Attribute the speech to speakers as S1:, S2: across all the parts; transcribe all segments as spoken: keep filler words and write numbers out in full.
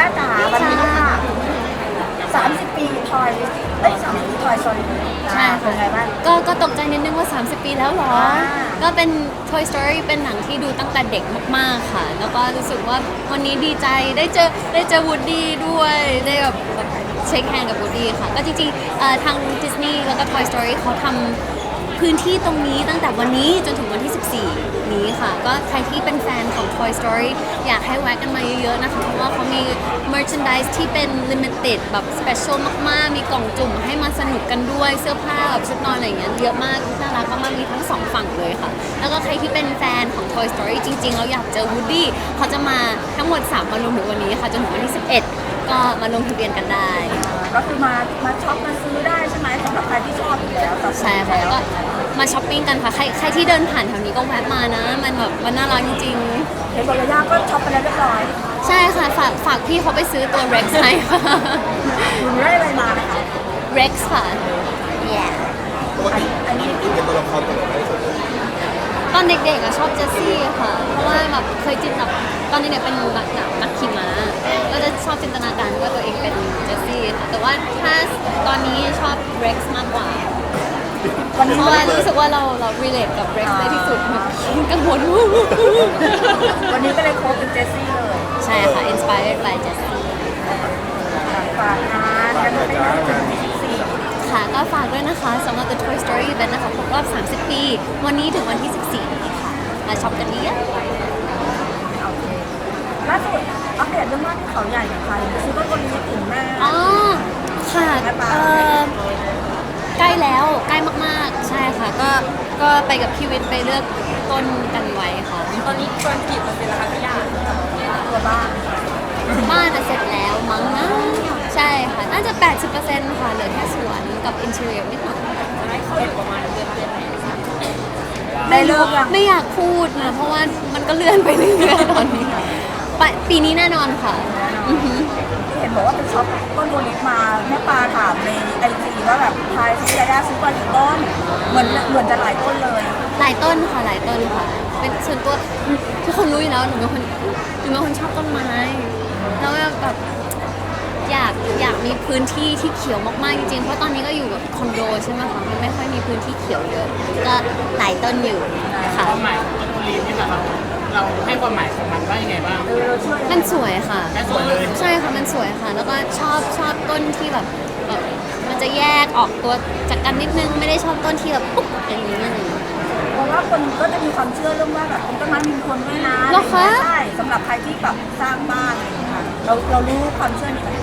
S1: ย่าจ๋าวันนี้ค่ะสามสิบปีทอยเอ้ยสามสิบปีทอยซอรี่
S2: ใช่ค่ะ
S1: เป็นไงบ้าง
S2: ก็ก็ตกใจนิดนึงว่า สามสิบ ปีแล้วเหรอ
S1: อ่า
S2: ก็เป็น Toy Story เป็นหนังที่ดูตั้งแต่เด็กมากๆค่ะ แล้วก็รู้สึกว่าวันนี้ดีใจได้เจอได้เจอวูดดี้ด้วย ได้แบบแบบเช็คแฮนด์กับวูดดี้ค่ะ ก็จริงๆเอ่อทางดิสนีย์แล้วก็ Toy Story เขาทำพื้นที่ตรงนี้ตั้งแต่วันนี้จนถึงวันที่ สิบสี่ นี้ค่ะ ก็ใครที่เป็นแฟนของ Toy Story อยากให้แวะกันมาเยอะๆนะคะ เพราะว่าเขามี merchandise ที่เป็น limited แบบ special มากๆ มีกล่องจุ่มให้มาสนุกกันด้วย เสื้อผ้าแบบชุดนอนอะไรอย่างเงี้ยเยอะมาก น่ารักมากๆ มีทั้งสองฝั่งเลยค่ะ แล้วก็ใครที่เป็นแฟนของ Toy Story จริงๆเราอยากเจอ Woody เขาจะมาทั้งหมดสามวันรวมถึงวันนี้ค่ะ จนถึงวันที่ สิบเอ็ด ก็มาลงทะเบียนกันได้
S1: ก็คือมามาช็อปมาซื้อได้ใช่ไหมสำหรับใครที่ชอบอยู่แล้วตัดสิน
S2: ใช่ค่ะ
S1: แล้ว
S2: ก็มาช้อปปิ้งกันค่ะ ใครใครที่เดินผ่านแถวนี้ก็แวะมานะ มันแบบมันน่ารักจริงๆ
S1: เห็นบอกระยะก็ช็อปไปแล้วเรียบร้อย
S2: ใช่ค่ะ ฝากฝากพี่เขาไปซื้อตัว Rex ให้ค่ะ
S1: คุณได้อะไรมานะคะ
S2: Rex ค่ะ yeah
S3: ปกติอันนี้อินกับตัวละครตัวไหนมากที่สุด
S2: ตอนเด็กๆอะชอบเจสซี่ค่ะ เพราะว่าแบบเคยจินแบบตอนเด็กๆเป็นนักหนักนักขี่ม้าก็จะชอบจินตนาการว่าตัวเองเป็นเจสซี่ค่ะ แต่ว่าถ้าตอนนี้ชอบ Rex มากกว่า
S1: วันนี้
S2: เพราะว่ารู้สึกว่าเราเรา relate กับ Rex ได้ที่สุดแบบกังวล
S1: วันนี้ก็เลยโค้ชเป็นเจสซี่เลย
S2: ใช่ค่ะ inspired by Jessie
S1: ฝากงานกันไม่ได้ถึงสี่
S2: ค่ะก็ฝากด้วยนะคะสำหรับ The Toy Story Event นะคะครบรอบ สามสิบ ปี วันนี้ถึงวันที่ สิบสี่ นี้ค่ะ มาช็อปกันเยอะ
S1: โอเคล่าสุดอัปเดตเรื่องบ้านที่เขาใหญ่หน่อยค่ะซื้อต้นวันนี้ถึงแม่
S2: อ๋อ ค่ะเอ่อใกล้แล้วใกล้มากๆ ใช่ค่ะ ก็ก็ไปกับพี่วิทย์ไปเลือกต้นกันไว้ค่ะ
S4: ตอนนี้เกินกี่เปอร์เซ็นต์แล้วคะพี่ยา
S1: ตัวบ้าน
S2: บ้านอะเสร็จแล้วมั้งนะ ใช่ค่ะ น่าจะ แปดสิบเปอร์เซ็นต์ ค่ะ เหลือแค่สวนกับอินเทอร์เนียนิดหน่อย
S4: ได้เข้าอยู่ประมาณเดือนเดือนไหน
S1: ได้เลิกยัง
S2: ไม่อยากพูดนะ เพราะว่ามันก็เลื่อนไปเรื่อยๆตอนนี้ปะปีนี้แน่นอนค่ะอือหือ
S1: เห็นบอกว่าเป็นช็อปต้นโมลิสมาแม่ปลาถามในไอจีว่าแบบทายซื้อยาย่าซื้อมากี่ต้นเหมือนเหมือนจะหลายต้นเลย
S2: หลายต้นค่ะหลายต้นค่ะ เป็นส่วนตัวทุกคนรู้อยู่แล้วหนูเป็นคนหนูเป็นคนชอบต้นไม้แล้วแบบอยากอยากมีพื้นที่ที่เขียวมากๆจริงๆเพราะตอนนี้ก็อยู่แบบคอนโดใช่ไหมคะมันไม่ค่อยมีพื้นที่เขียวเยอะก็หลายต้นอยู่ค่ะ
S4: ความหมายของต้นทุเรียนนี่เราเราให้ความหมายของมันว่ายังไงบ้าง
S1: เออเราช่วย
S2: มันสวยค่ะ
S4: แค่สวยเลย
S2: ใช่ค่ะมันสวยค่ะ แล้วก็ชอบชอบต้นที่แบบแบบมันจะแยกออกตัวจากกันนิดนึงไม่ได้ชอบต้นที่แบบปุ๊บอย่างนี้อะไรอย่างนี้
S1: เพราะว่าคนก็จะมีความเชื่อเรื่องว่าแบบต้นไม้มีคนด้วยนะ
S2: เหรอคะ
S1: ใช่สำหรับใครที่แบบสร้างบ้านอะไรอย่างเงี้ยค่ะเราเรารู้ความเชื่อนี้ไหม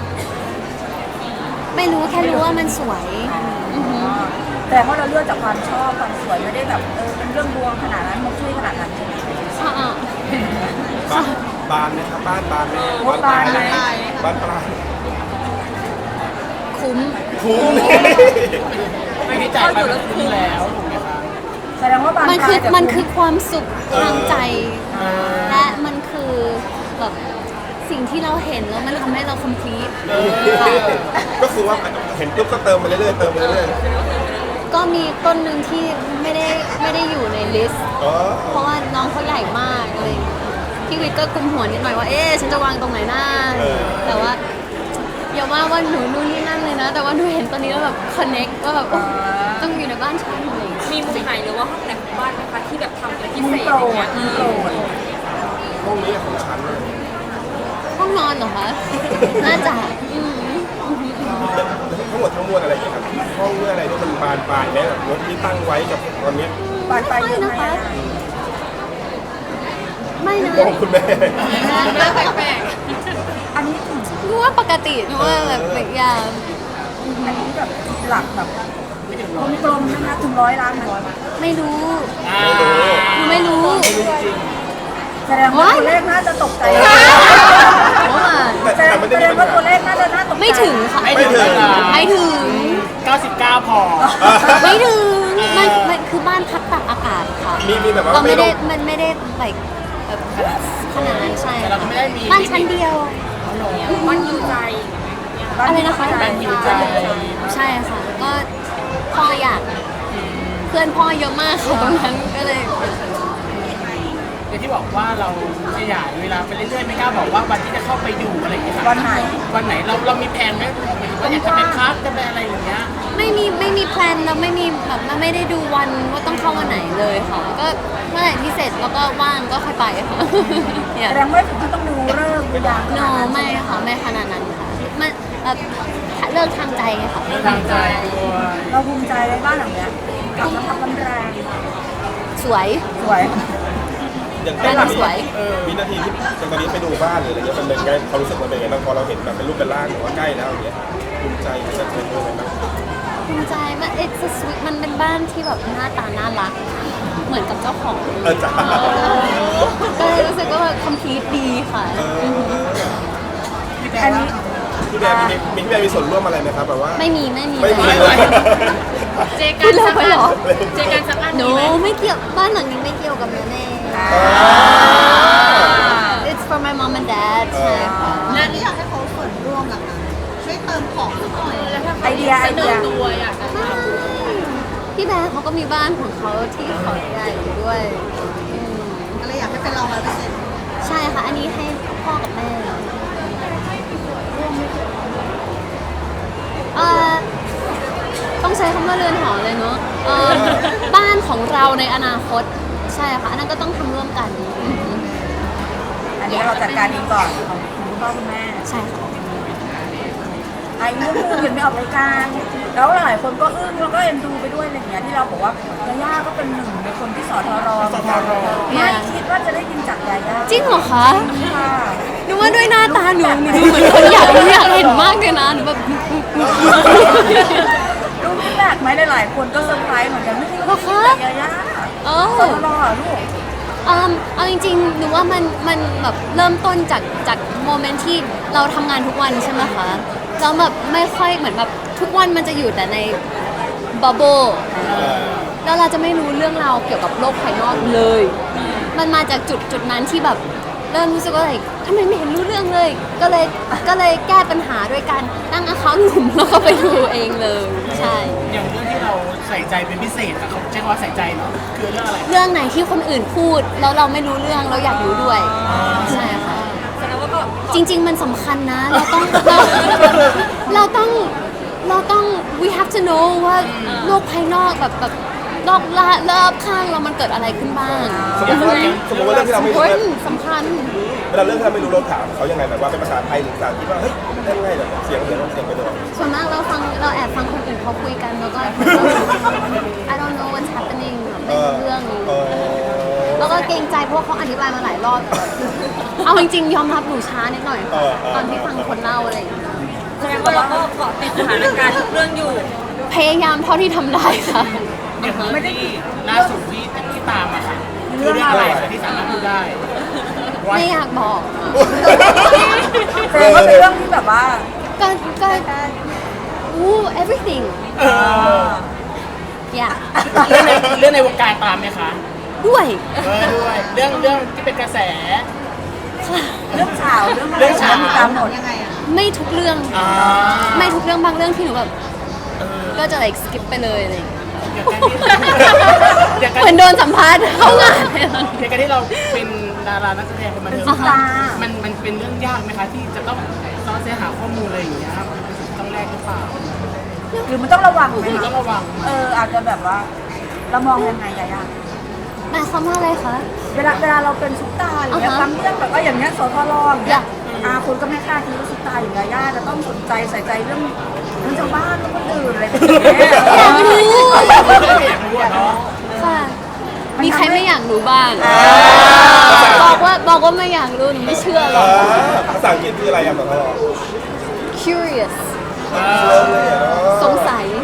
S2: ไม่รู้แค่รู้ว่ามันสวยอือหือ
S1: แต่ว่าเราเลือกจากความชอบความสวยไม่ได้แบบเออเป็นเรื่องดวงขนาดนั้นมันช่วยขนาดนั้นใช่ไหม
S2: อ่ะ
S3: บ้านบานไหมครับบ้านบานไหม
S1: โอ้บานไหม
S3: บ้านปลาย
S2: คุ้ม
S3: คุ้ม
S4: ไม่ได้จ่ายไปมันคุ้มแล้วถูกไหมคะ
S1: แสดงว่าบาน
S2: มันคือ
S1: ปลายแต่
S2: มันคือความสุขทางใจ
S4: อ่า
S2: และมันคือแบบสิ่งที่เราเห็นแล้วมันทำให้เรา complete
S3: ก็คือว่าเห็นปุ๊บก็เติมไปเรื่อยๆเติมไปเรื่อย
S2: ก็มีต้นหนึ่งที่ไม่ได้ไม่ได้อยู่ในลิสต์
S3: ๆอ๋อ
S2: เพราะว่าน้องเขาใหญ่มากอะไรอย่างเลยพี่วิทย์ก็กุมหัวนิดหน่อยว่าเอ๊ะฉันจะวางตรงไหนหน้าแต่ว่าอย่าว่าว่าหนูนู่นนี่นั่นเลยนะ แต่ว่าหนูเห็นตอนนี้แล้วแบบ connect ว่าแบบโอ๊ยต้องอยู่ในบ้านฉันอะไรอย่างเลย
S4: มีมุมไหนหรือว่าห้องไหนของบ้านไหมคะที่แบบทำเป็นพิ
S1: มุ
S4: เศ
S1: ม
S4: ษ
S1: โปร
S4: อย่าง
S1: ด
S4: เงี้ย
S1: มุมโปรด
S3: ห้องนี้ของฉันเลย
S2: ห้องนอนเหรอคะ น่าจะอืม
S3: ทั้งหมดทั้งมวลอะไรอย่างเงี้ยครับห้องเมื่ออะไรที่มันบานปลายแล้วรถที่ตั้งไว้กับตอนเนี้ย
S1: บานปลายเยอะไหม
S2: ไม่นะคะ ไม่นะ
S3: มองคุณแม่
S4: น่าแปลก
S1: อันนี้ถึง
S2: หนูว่าปกติหนูว่าแบบแบบอย่าง
S1: อันนี้แบบหลักแบบกลมๆนะคะถึงร้อยล้านไหม
S2: ไม่รู้
S4: ๆอ่า
S2: หนูไม่รู้
S1: แสดงว่าตัวเลขน่าจะตกใจ
S2: เพราะว่า
S3: แต่
S1: แสด
S3: แต่
S1: ง
S3: มันจะ
S1: แสด
S3: มี
S1: ง
S3: ปัญ
S1: ว่า
S3: หา
S1: ตัวเลขน่าจะน่าตกใจ
S2: ไม่ถึงค่ะ
S4: ไม่ถึงเวลา
S2: ไม่ถึง
S4: เก้าสิบเก้าพอ
S2: ไม่ถึงมันมันคือบ้านพักตากอากาศค่ะ
S3: มีมีแบบว่า
S2: เราไม่ได้
S3: ต้อง
S2: มันไม่ได้แบบแบบขนาดนั้นใช่
S4: แต่เราก็ไม่ได้มี
S2: บ้านชั้นเดียว
S4: มันอยู่ใจ
S2: อะไรนะคะ
S4: มันอยู่ใจ
S2: ใช่ค่ะ ก็พ่ออยาก เพื่อนพ่อเยอะมากค่ะตรงนั้นก็เลย
S4: เอย่างที่บอกว่าเราขยายเวลาไปเรื่อยๆไม่กล้าบอกว่าวันที่จะเข้าไปดูอะไรอย่างเงี้ยค่ะ
S1: วันไหน
S4: วันไหนเราเรามีแผนไหมหมายถึงว่าอยากจะเป็นคลาสจะเป็นอะไรอย่างเงี้ย
S2: ไม่มีไม่มีแพลนแล้วไม่มีแบบไม่ได้ดูวันว่าต้องเข้าวันไหนเลยค่ะ ก็เมื่อไหร่ที่เสร็จแล้วก็ว่างก็ค่อยไปค่ะ
S1: แสดงว่าถึงต้องดูเรื่องดูยาม
S2: โนไม่ค่ะไม่ขนาดนั้นค่ะมันเอ่อเลิกทางใจค่ะ
S4: เรื่องทางใจด้วย
S1: เราภูมิใจในบ้านหลังเนี้ยกลับมาทำกำแรง
S2: สวย
S1: สวย
S3: อย่าง
S2: บ้านเราสวย
S3: วินาทีที่จังตอนนี้ไปดูบ้านหรืออะไรเงี้ยมันเป็นไงความรู้สึกมันเป็นไงบ้างพอเราเห็นแบบเป็นรูปเป็นร่างหรือว่าใกล้แล้วอย่างเงี้ยภูมิใจมันจะเป็นยังไงบ้าง
S2: ภูมิใจมัน it's a sweet มันเป็นบ้านที่แบบหน้าตาน่ารัก เหมือนกับเจ้าของ
S3: เออจ้า
S2: ก็เลยรู้สึกว่าแบบ complete ดีค่ะ
S4: พี่แบ
S1: อัน
S4: ร์
S1: นี้
S3: พี่แบร์มีมีพี่แบร์มีส่วนร่วมอะไรไหมครับแบบว่า
S2: ไม่มีไม่มี
S3: ไม่มี
S2: เล
S3: เลย ย
S4: เจ
S2: พู
S4: กั
S2: ด
S4: น
S2: เร็ว
S4: สัก
S2: ไป
S4: อัน
S2: เหรอ
S4: เจกันสักอัน
S2: โน
S4: มีไหม
S2: ไม่เกี่ยวบ้านหลังนี้ไม่เกี่ยวกับแม่แน่ it's for my mom and dad ใช่ค่ะ
S5: แล้วนี่อยากให้เขาส่วนร่วมหลักนะช่วยเติมของสักหน่อย
S1: ไอเดียไอเดีย
S2: ไม่พี่แบร์เขาก็มีบ้านของเขาที่เขาใหญ่ด้วยอืม
S5: ก็เลยอยากให้เป็นเราร้อยเปอร์เซ็นต์
S2: ใช่ค่ะ อันนี้ให้พ่อกับแม่เอ่อต้องใช้คำว่าเรือนหอเลยเนาะเอ่อบ้านของเราในอนาคต ใช่ค่ะ อันนั้นก็ต้องทำร่วมกัน
S1: อันนี้เราจัดการเองก่อนของคุณพ่อคุณแม่
S2: ใช่ค่ะ
S1: ไอ้เรื่องนึงยังไม่ออกรายการแล้วหลายคนก็อึ้งแล้วก็เอ็นดูไปด้วยอะไรอย่างเงี้ยที่เราบอกว่ายาย่าก็เป็นหนึ่งในคนที่สอทรไม่คิดว่าจะได้ยินจากยาย่า
S2: จริงเหรอคะ
S1: ค่ะ
S2: หนูว่าด้วยหน้าตาหนูหนูดูเหมือนคนอยากอยากเห็นมากเลยนะหนูแบบ
S1: รู้พี่แปลกไหมหลายๆคนก็เซอร์ไพรส์เหมือนกันไม่คิดว่าจะได้ยินจากยาย่า
S2: เอ
S1: สอ
S2: อ
S1: ทรอ่ะลูก
S2: อืมเอาจริงๆ หนูว่ามันมันแบบเริ่มต้นจากจากโมเมนต์ที่เราทำงานทุกวันใช่ไหมคะแล้วแบบไม่ค่อยเหมือนแบบทุกวันมันจะอยู่แต่ในบับเบิลแล้วเราจะไม่รู้เรื่องราวเกี่ยวกับโลกภายนอกเลย มันมาจากจุดจุดนั้นที่แบบเริ่มรู้สึกว่าอะไรทำไมไม่เห็นรู้เรื่องเลย ก็เลยก็เลยแก้ปัญหาด้วยการตั้งอาคาหนุ่มแล้วก็ไปดูเองเลย ใช่
S4: อย่างเรื่องที่เราใส่ใจเป็นพิเศษอะเขาใช้คำว่าใส่ใจเนาะคือเรื่องอะไร
S2: เรื่องไหนที่คนอื่นพูดแล้วเราไม่รู้เรื่องเราอยากรู้ด้วย ใช่ค่ะจริง ๆ มันสำคัญนะ เราต้องเราเราต้องเราต้อง we have to know ว่าโลกภายนอกแบบแบบรอบละรอบข้างเรามันเกิดอะไรขึ้นบ้าง
S3: สมมติว่าสมมติว่าเรื่องที่เราไม่รู้เนี่ย
S2: สำคัญ
S3: เวลาเรื่องที่เราไม่รู้เราถามเขายังไงแบบว่าเป็นภาษาไทยหรือภาษาที่ว่าเฮ้ยได้ไงแบบเสียงเสียงเสียงไปเลย
S2: ส่วนมากเราฟังเราแอบฟังคนอื่นเขาคุยกันแล้วก็ I don't know what's happening ไม่รู้เรื่อง
S3: เออ
S2: แล้วก็เกรงใจเพราะว่าเขาอธิบายมาหลายรอบแต่แบบเอาจริงๆยอมรับหนูช้านิดหน่อยค่ะตอนที่ฟังคนเล่าอะไรอย่างเงี้ย
S1: แสดงว่าเราก็เกาะติดสถานการณ์ทุกเรื่องอยู่
S2: พยายามเท่าที่ทำได้ค่ะ
S4: อย่างเรื่องที่ล่าสุดที่ที่ตามอะค่ะคือเรื่องอะไรคะที่สามารถพูดได้ว่า
S2: ไม่อยากบอก
S1: แสดงว่าเป็นเรื่องที่แบบว่า
S2: ก็ก็อู้ everything
S4: เออ
S2: อย่า
S4: เรื่องในเรื่องในวงการตามไหมคะ
S2: ด้วย
S4: เออด้วยเรื่องเรื่องที่เป็นกระแส
S1: เรื่องข่าวเรื่องอะไร
S4: เรื่องข่าว
S1: ตามหมด
S5: ยังไงอ่ะ
S2: ไม่ทุกเรื่อง
S4: อ่า
S2: ไม่ทุกเรื่องบางเรื่องที่หนูแบบก็จะ like skip ไปเลยอะไรอย่างเงี้ย
S4: อย่างการที่อย่างการ
S2: เหมือนโดนสัมภาษณ์เข้างาน
S4: อย่างการที่เราเป็นดารานักแสดงคนบันเทิง
S2: อ่าฮะ
S4: มันมันเป็นเรื่องยากไหมคะที่จะต้องซ้อเสียหาข้อมูลอะไรอย่างเงี้ยมันเป็นสิ่งที่ต้องแลกหรือเปล่า
S1: หรือมันต้องระวังไหม
S4: หรือต้อ
S1: คะ
S4: งระวัง
S1: เอออาจจะแบบว่าเรามองยังไงยายา
S2: หมายความว่าอะไรคะ
S1: เวลาเวลาเราเป็นซุปตาอย่างเงี้ย
S2: อ่าฮะ
S1: บางเรื่องแบบว่าอย่างเงี้ยสทรอย่างเงี้ย
S2: อยาก
S1: อาคุณก็ไม่คาดคิดว่าซุปตาอย่างยาย่าจะต้องสนใจใส่ใจเรื่องเรื่องชาวบ้านเรื่องคนอื่นอะไรแบบนี้
S2: อยากรู้
S4: อยากรู้อะเนาะ
S2: ค่ะ มีใครไม่อยากรู้บ้าง บอกว่าบอกว่าไม่อยากรู้หนูไม่เชื่อหร
S3: อ่า
S2: อก
S3: ภาษาอังกฤษคืออะไรอ่ะแบบว่า
S2: curious สงสัย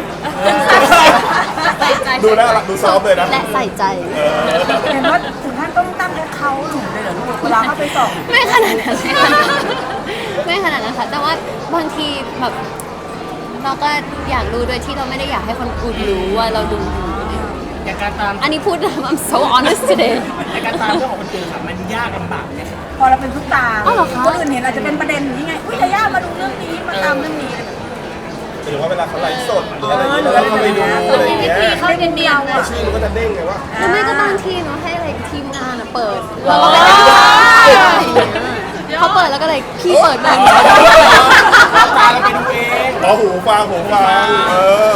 S3: ดูน่ารักดูซอฟต์เลยนะ
S2: และใส่ใจ
S1: เห็นว่าถึงขั้นต้องตั้งแอคเคาท์หนูเลยเหรอลูกเวลาเข้าไปส่อง
S2: ไม่ขนาดนั้นไม่ขนาดนั้นไม่ขนาดนั้นค่ะ แต่ว่าบางทีแบบเราก็อยากรู้โดยที่เราไม่ได้อยากให้คนอื่นรู้ว่าเราดูอยู่
S4: อย่างการตาม
S2: อันนี้พูด I'm so honest today
S4: ในการตามเรื่องของคนอื่นค่ะมันยากลำบากไหมคะ
S1: พอเราเป็นซุปตา
S2: อ้าวเหรอคะ
S1: คนอื่นเห็นอาจจะเป็นประเด็นอย่างนี้ไงอุ้ยยาย่ามาดูเรื่องนี้มาตามเรื่องนี้อะไรแบบนี้
S3: หรือว่าเวลาเขาไลฟ์สดหรืออะไรอย่างเงี้ยแล้วเราไปดูอะไรอย่างเงี้ย
S2: เข้าเนียนๆ
S3: แล้วชื่อมันก็จะเด้งไงว่า
S2: หรือไม่ก็บางทีเนาะให้อะไรทีมงานอะเปิดเราก็ไปเขาเปิดแล้วก็เลยพี่เปิดหน่อย
S4: ตาเราไปดูเอง
S3: อ๋อหูฟังหูฟังเออ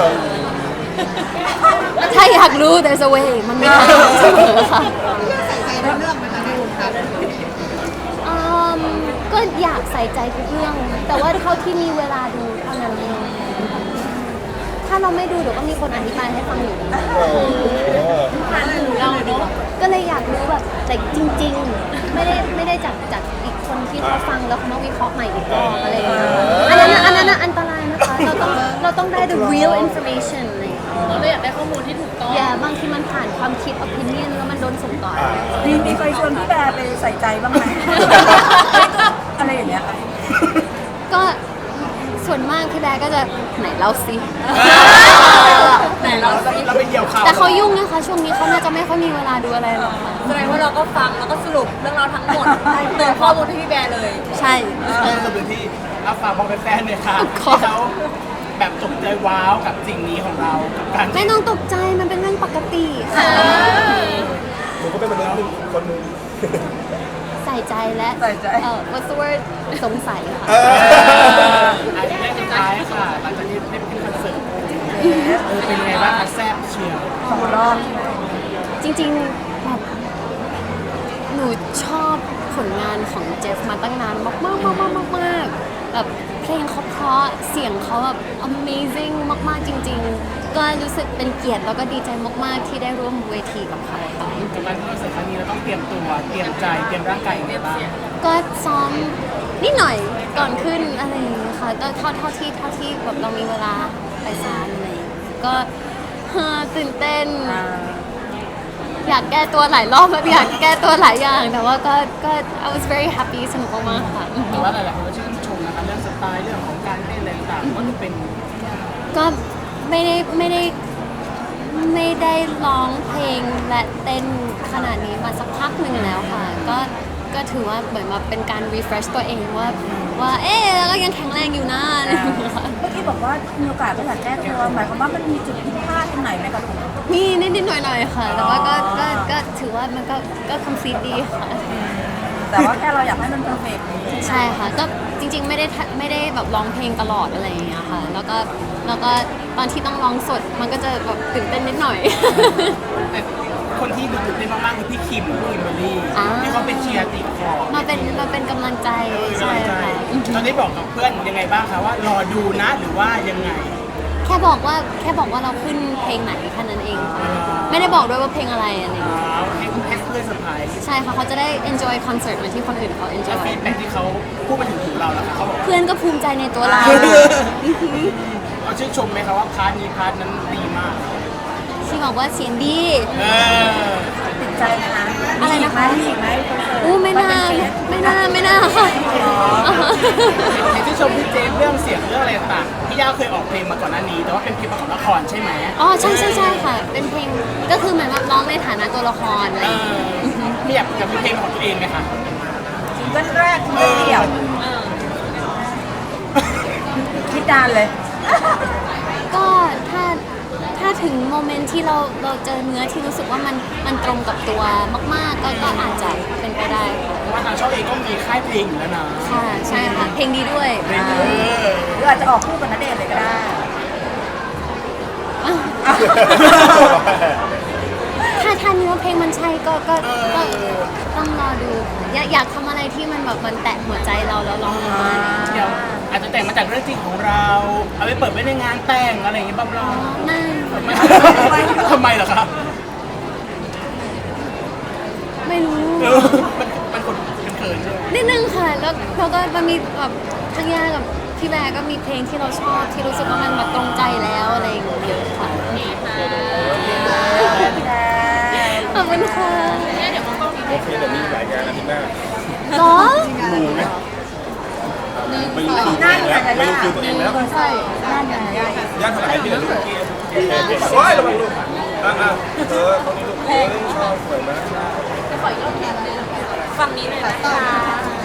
S2: ถ้าอยากรู้ there's a way มันไม่ได้เสมอค่ะ
S5: ใส่ใจในเรื่องไหมคะในวงการ
S2: อืมก็อยากใส่ใจทุกเรื่อง แต่ว่าเท่าที่มีเวลาดูเท่านั้นเองถ้าเราไม่ดูเดี๋ยวก็มีคนอธิบายให้ฟังอยู่ดี
S3: เออ
S2: เราเนาะก็เลยอยากรู้แบบแต่จริง ๆ ไม่ได้ไม่ได้จากจากอีกคนที่เขาฟังแล้วเขามาวิเคราะห์ใหม่อีกรอบอะไรอย่างเงี้ยอันนั้นน่ะอันนั้นน่ะอันตรายนะคะเราต้องเราต้องได้ the real information อะไรอย่างเงี้ย
S6: เราเลยอยากได้ข้อมูลที่ถูกต้อง
S2: อย่าบางทีมันผ่านความคิด opinion แล้วมันโดนส่งต่อ
S1: มีมีใครชวนพี่แบร์ไปใส่ใจบ้างไหม อะไรอย่างเงี้ย
S2: ก็ส่วนมากพี่แบร์ก็จะไหนเล่าสิ
S6: แต่เรา
S4: เราไปเดี่ยวข่าว
S2: แต่เขายุ่งนะคะช่วงนี้เขาน่าจะไม่ค่อยมีเวลาดูอะไรหรอกค่ะ
S6: แสดงว่าเราก็ฟังแล้วก็สรุปเรื่องราวทั้งหมดเติมข้อมูลให้พี่แบร์เลย
S2: ใช่
S4: เออสมุนที่อาฝากบอกแฟนๆเลยค่ะ
S2: ขอ
S4: ที่เขาแบบตกใจว้าวกับสิ่งนี้ของเรากับการ
S2: ไม่ต้องตกใจมันเป็นเรื่องปกติค่ะ
S3: หนูก็เป็นมนุษย์หนึ่งคนหนึ่ง
S2: ใส่ใจและ
S1: ใส่ใจ
S2: เออ what's the word สงสัยค่ะ
S3: เออ
S4: อันนี้สุดท้ายค่ะหลังจากที่ได้ไปขึ้นคอนเสิร์ตเออเป็นยังไงบ้างคะแซ่บเชียว
S1: สองรอบ
S2: จริงๆแบบหนูชอบผลงานของเจฟมาตั้งนานมากมากมากมากมากมากแบบเพลงเขาเพราะเสียงเขาแบบ amazing มากๆจริง ๆ ก็รู้สึกเป็นเกียรติแล้วก็ดีใจมากๆที่ได้ร่วมเวทีกับเขาค่ะ
S4: กับการขึ้นคอนเสิร์ตครั้งนี้เราต้องเตรียมตัวเตรียมใจเตรียมร่างกายยังไงบ้าง
S2: ก็ซ้อมนิดหน่อยก่อนขึ้นอะไรอย่างเงี้ยค่ะก็เท่าเท่าที่เท่าที่แบบเรามีเวลาไปซ้อมอะไรอย่างเงี้ยก็เฮ้อตื่นเต้น อยากแก้ตัวหลายรอบแล้วอยากแก้ตัวหลายอย่าง แต่ว่าก็ก็ I was very happy สนุกมากๆค่ะ
S4: แต่ว่าหลายๆคนก็ชื่นชมนะคะเรื่องสไตล์เรื่องของการเต้นอะไรต่างๆว่าจะเป็น
S2: ก็ไม่ได้ไม่ได้ไม่ได้ร้องเพลงและเต้นขนาดนี้มาสักพักหนึ่งแล้วค่ะ ก็ก็ถือว่าเหมือนมาเป็นการ refresh ตัวเองว่าว่าเอ๊ะเรายังแข็งแรงอยู่นะอะไรอย่างเงี้ยค่ะ
S1: เมื่อกี้บอกว่ามีโอกาสไปอยากแก้ตัวหมายความว่ามันมีจุดผิดพลาดตรงไหนไหมคะลูก
S2: มีนิดๆหน่อยๆค่ะ แต่ว่าก็ก็ก็ถือว่ามันก็ก็ complete ดีค่ะ
S1: แต่ว่าแค่เราอยากให้มันเพอร์เฟกต์
S2: ใช่ค่ะก็จริงๆไม่ได้ทะไม่ได้แบบร้องเพลงตลอดอะไรอย่างเงี้ยค่ะ แล้วก็แล้วก็ตอนที่ต้องร้องสดมันก็จะแบบตื่นเต้นนิดหน่อย
S4: แต่คนที่ดูตื่นเต้นมากๆคือพี่คิมกับพี่คิมเบอร์รี่
S2: อ่า
S4: ที่เขาเป็นเชียร์ติดคอ
S2: มาเป็นมาเป็นกำลังใจ
S4: เออ
S2: ใช่
S4: ใช่
S2: ค่ะ
S4: ตอนนี้บอกกับเพื่อนยังไงบ้างคะว่ารอดูนะหรือว่ายังไง
S2: แค่บอกว่าแค่บอกว่าเราขึ้นเพลงไหนแค่นั้นเองค่ะไม่ได้บอกด้วยว่าเพลงอะไรอะไรอย่างเงี้ย
S4: อ้าวให้ให้เพื่อนเซอร์ไพรส์
S2: ใช่ค่ะเขาจะได้ enjoy concert เหมือนที่คนอื่นเขา
S4: แล้ว
S2: enjoy
S4: ฟีดแบ็กที่เขาพูดมาถึงหูเราแล้วค่ะเขาบอก
S2: เพื่อนก็ภูมิใจในตัวเรา
S4: เขาชื่นชมไหมคะว่าพาร์ทนี้พาร์ทนั้นดีมาก
S2: ที่บอกว่าเสียงดี
S4: เออ
S1: ติดใจนะคะ
S2: อะไรนะคะ
S1: มีอีกไหมคอนเสิร์ต
S2: อู้ไม่น่าไม่น่าไม่น่าค่ะ
S4: เห็นที่ชมพี่เจฟเรื่องเสียงเรื่องอะไรต่างๆพี่ย่าเคยออกเพลงมาก่อนหน้านี้ แต่ว่าเป็นเพลงประกอบละครใช่ไหม
S2: อ๋อใช่ใช่ใช่ค่ะ เป็นเพลงก็คือเหมือนแบบร้องในฐานะตัวละครอะไร
S4: เอ
S2: อย่างเงี้ย
S4: อไม่อยากอยากมีเพลงของตัวเองไหมคะ
S1: ซิงเกิลแรกซิงเกิลเดี่ยวคิดนานเลย
S2: ก็ถ้าถ้าถึงโมเมนต์ที่เราเราเจอเนื้อที่รู้สึกว่ามันมันตรงกับตัวมาก ๆ ก็ก็อาจจะเป็นไปได้ค่ะ
S4: เพราะว่าทางช่องเองก็มีค่ายเพลงอยู่แล้วนะ
S2: ค่ะใช่ค่ะ เพลงดีด้วย
S4: เออ
S1: หรืออาจจะออกคู่กับณเดชน์เลยก็ได้
S2: ถ้าถ้าเนื้อเพลงมันใช่ก็ก็ก็ต้องรอดูค่ะอยากอยากทำอะไรที่มันแบบมันแตะหัวใจเราแล้วร้องออกมาอะไรอย่างเงี้ย
S4: เดี๋ยวอาจจะแต่งมาจากเรื่องจริงของเรา เอาไปเปิดไว้ในงานแต่งอะไรอย่างเงี้ยบ้าบลา
S2: ไม่
S4: ไม่ทำไมเหรอครับ
S2: ไม่รู้
S4: เออมันมันคนเป็นเขินใช่ไหม
S2: นิดนึงค่ะ แล้วเราก็มันมีแบบทั้งย่ากับพี่แบร์ก็มีเพลงที่เราชอบที่รู้สึกว่ามันแบบตรงใจแล้วอะไรอย่างเงี้ยเยอะค่ะขอบคุณค่ะ
S3: โอเคเดี๋ยวมีหลายงานอาทิตย์หน้า
S2: หรอ
S3: ดูไหมไม่รู้คือ
S1: นั่น
S3: ตัวเอง
S1: ไง
S3: แล้วไม่
S1: ล่ะ
S3: รู้คือตัวเองแล้ว
S1: ใช่นั่นไง
S3: ญาติเท่าไหร่ที่เหลือลูกโอ้ยระวังลูกอ่ะอ่ะเออตรงนี้ลูกเออชอบสวยมาก
S6: ฝั่งนี้เลยนะคะ